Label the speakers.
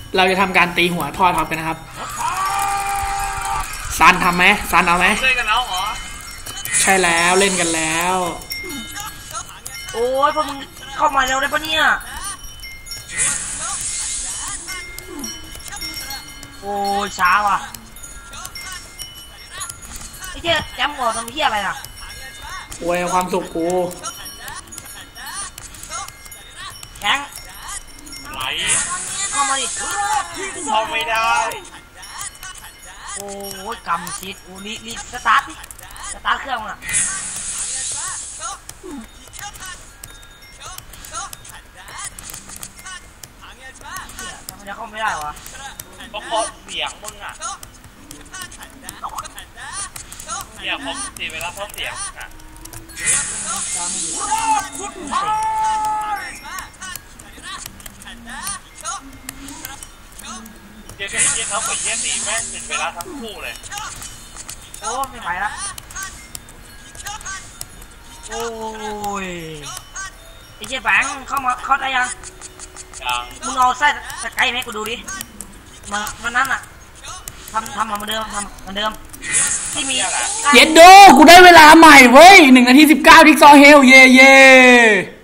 Speaker 1: เราจะทำการตีหัวทอดท็อปกันนะครับซันทำไหมซันเอาไหม
Speaker 2: เล่นกันแล้วเหรอ
Speaker 1: ใช่แล้วเล่นกันแล้ว
Speaker 3: โอ้ยพวกมึงเข้ามาเร็วได้ปะเนี่ยโอ้ยช้าว่ะไอ้เจ้าแจมหัวทำเหี้ยอะไรอ่ะ
Speaker 1: โวยความสุขกู
Speaker 3: แข็ง
Speaker 2: ไหล
Speaker 3: เข้ามาดิ
Speaker 2: เข้าไม่ได้
Speaker 3: โอ้ยกำชิดอูรีสตาร์ทดิสตาร์ทเครื่องอ่ะทำไมจะเข้าไม่ได้วะ
Speaker 2: ก็เพราะเสียงมึงอ่ะเนี่ยผมตีไปแล้วเพราะเสียงอ่ะเจ๊เขาเหมือนเจ๊ตีแม่งติดเวลาทั้งคู่เลย
Speaker 3: โอ้ไม่ไหวละโอ้ยไอ้เจ๊แบงเข้ามาเข้าได้ยังมึงเอาไส้สกายไหมกูดูดิมันนั่นอ่ะทำเหมือนเดิมทำเหมือนเดิมที่มี
Speaker 1: เย็นดูกูได้เวลาใหม่เว้ย1 นาที 19ทิกซอเฮลเย่